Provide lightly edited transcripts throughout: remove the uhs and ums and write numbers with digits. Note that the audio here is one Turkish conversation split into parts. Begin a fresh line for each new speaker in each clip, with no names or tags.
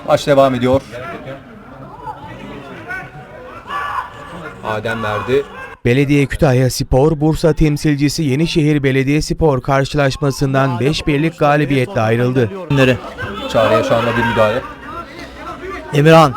Maç devam ediyor. Adem verdi.
Belediye Kütahyaspor, Bursa temsilcisi Yenişehir Belediyespor karşılaşmasından 5-1'lik galibiyetle ayrıldı.
Çağrı'ya şu anda bir müdahale.
Emirhan.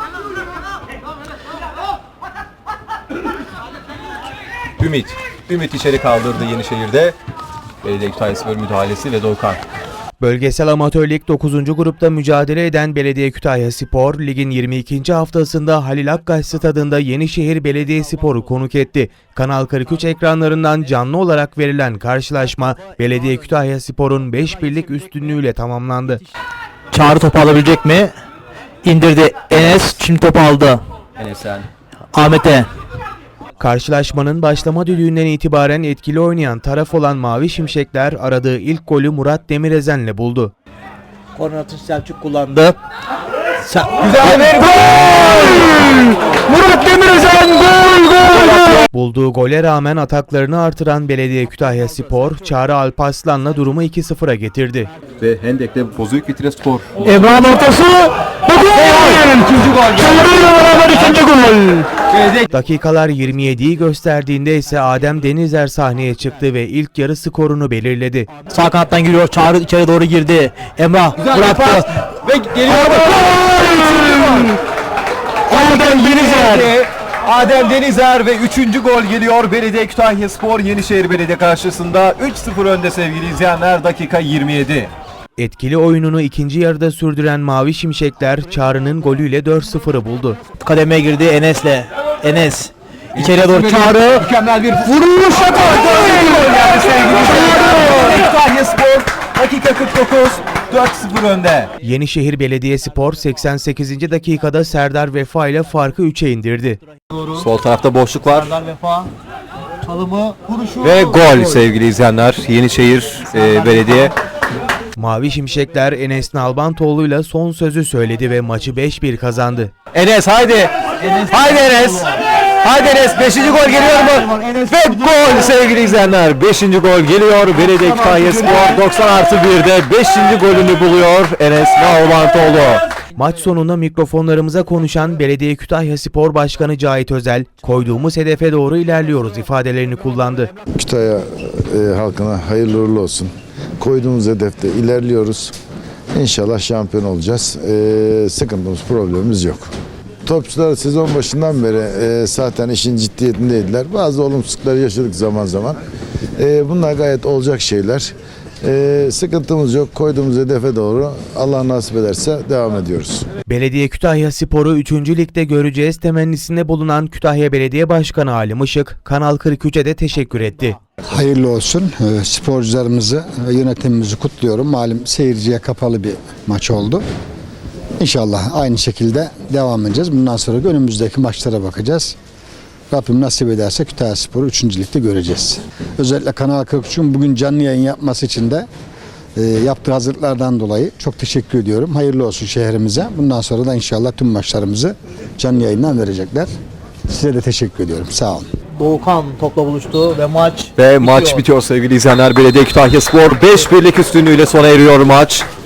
Ümit içeri kaldırdı Yenişehir'de. Belediye Kütahyaspor müdahalesi ve Doğukan.
Bölgesel Amatör Lig 9. grupta mücadele eden Belediye Kütahyaspor, ligin 22. haftasında Halil Akkaş Stadı'nda Yenişehir Belediyespor'u konuk etti. Kanal 43 ekranlarından canlı olarak verilen karşılaşma Belediye Kütahyaspor'un 5-1'lik üstünlüğüyle tamamlandı.
Çağrı topu alabilecek mi? İndirdi Enes, şimdi topu aldı.
Enes'en.
Ahmet'e.
Karşılaşmanın başlama düdüğünden itibaren etkili oynayan taraf olan Mavi Şimşekler aradığı ilk golü Murat Demirezen'le buldu.
Korner atış Selçuk kullandı.
Güzel bir
gol! Murat Demirezen gol!
Bulduğu gole rağmen ataklarını artıran Belediye Kütahyaspor, Çağrı Alparslan'la durumu 2-0'a getirdi.
Ve Hendek'te Bozüyük bitire skor.
Emrah'ın ortası. İkinci gol. Çağrı'yla beraber ikinci gol.
Dakikalar 27'yi gösterdiğinde ise Adem Denizer sahneye çıktı ve ilk yarı skorunu belirledi.
Sağ kanattan giriyor. Çağrı içeri doğru girdi. Emrah bıraktı.
Ve geliyor. Adem Denizer ve 3. gol geliyor. Belediye Kütahyaspor Yenişehir Belediye karşısında 3-0 önde sevgili izleyenler. Dakika 27.
Etkili oyununu ikinci yarıda sürdüren Mavi Şimşekler Çağrı'nın golüyle 4-0'ı buldu.
Kademeye girdi Enes'le. Enes. İçeriye doğru Çağrı.
Mükemmel bir
Vuruş atar.
gol geldi sevgili izleyenler. Kütahyaspor dakika 49 4-0 önde.
Yenişehir Belediyespor 88. dakikada Serdar Vefa ile farkı 3'e indirdi.
Sol tarafta boşluk var.
Serdar Vefa. Çalımı, vuruşu.
Ve gol sevgili izleyenler. Yenişehir Belediye.
Mavi Şimşekler Enes Nalbantoğlu'yla son sözü söyledi ve maçı 5-1 kazandı.
Enes haydi. Haydi Enes. Haydi Enes 5. gol geliyor mu? Ve gol sevgili izleyenler. 5. gol geliyor. Belediye Kütahyaspor 90+1'de 5. golünü buluyor Enes Nalbantoğlu.
Maç sonunda mikrofonlarımıza konuşan Belediye Kütahyaspor Başkanı Cahit Özel, koyduğumuz hedefe doğru ilerliyoruz ifadelerini kullandı.
Kütahya halkına hayırlı uğurlu olsun. Koyduğumuz hedefte ilerliyoruz. İnşallah şampiyon olacağız. Sıkıntımız, problemimiz yok. Topçular sezon başından beri zaten işin ciddiyetindeydiler. Bazı olumsuzlukları yaşadık zaman zaman. Bunlar gayet olacak şeyler. Sıkıntımız yok. Koyduğumuz hedefe doğru Allah nasip ederse devam ediyoruz.
Belediye Kütahyaspor'u 3. Lig'de göreceğiz temennisinde bulunan Kütahya Belediye Başkanı Halim Işık, Kanal 43'e de teşekkür etti.
Hayırlı olsun. Sporcularımızı ve yönetimimizi kutluyorum. Malum seyirciye kapalı bir maç oldu. İnşallah aynı şekilde devam edeceğiz. Bundan sonra önümüzdeki maçlara bakacağız. Rabbim nasip ederse Kütahyaspor'u 3. Lig'de göreceğiz. Özellikle Kanal 43'ün bugün canlı yayın yapması için de yaptığı hazırlıklardan dolayı çok teşekkür ediyorum. Hayırlı olsun şehrimize. Bundan sonra da inşallah tüm maçlarımızı canlı yayından verecekler. Size de teşekkür ediyorum. Sağ olun.
Doğukan topla buluştu ve maç
Maç bitiyor sevgili izleyenler. Belediye Kütahyaspor 5-1'lik üstünlüğüyle sona eriyor maç.